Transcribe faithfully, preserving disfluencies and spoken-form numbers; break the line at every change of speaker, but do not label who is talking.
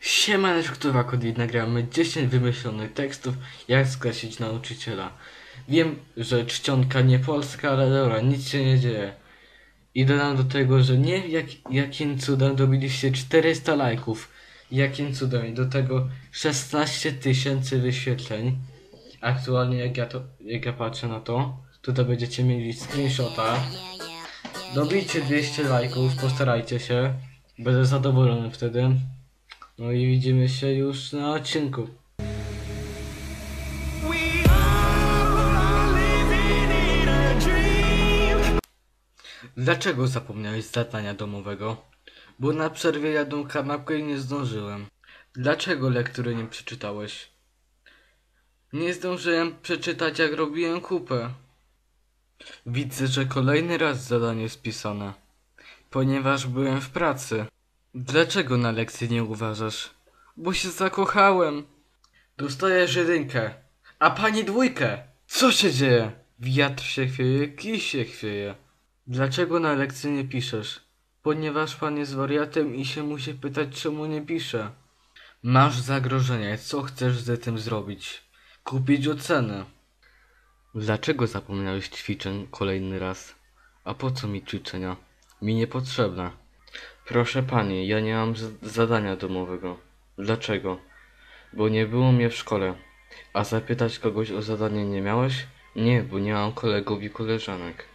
Siemaneczko, to Wakodit, nagramy dziesięć wymyślonych tekstów, jak skreślić nauczyciela. Wiem, że czcionka nie polska, ale dobra, nic się nie dzieje. I dodam do tego, że nie wiem jak, jakim cudem dobiliście czterysta lajków. Jakim cudem. I do tego szesnaście tysięcy wyświetleń. Aktualnie jak ja, to, jak ja patrzę na to, tutaj będziecie mieli screenshota. Dobijcie dwieście lajków, postarajcie się. Będę zadowolony wtedy. No i widzimy się już na odcinku. Dlaczego zapomniałeś zadania domowego? Bo na przerwie jadłem kanapkę i nie zdążyłem. Dlaczego lektury nie przeczytałeś? Nie zdążyłem przeczytać, jak robiłem kupę. Widzę, że kolejny raz zadanie spisane. Ponieważ byłem w pracy. Dlaczego na lekcji nie uważasz? Bo się zakochałem. Dostajesz jedynkę, a pani dwójkę. Co się dzieje? Wiatr się chwieje, kij się chwieje. Dlaczego na lekcji nie piszesz? Ponieważ pan jest wariatem i się musi pytać, czemu nie pisze. Masz zagrożenie, co chcesz z tym zrobić? Kupić ocenę. Dlaczego zapomniałeś ćwiczeń kolejny raz? A po co mi ćwiczenia? Mi niepotrzebne. Proszę pani, ja nie mam zadania domowego. Dlaczego? Bo nie było mnie w szkole. A zapytać kogoś o zadanie nie miałeś? Nie, bo nie mam kolegów i koleżanek.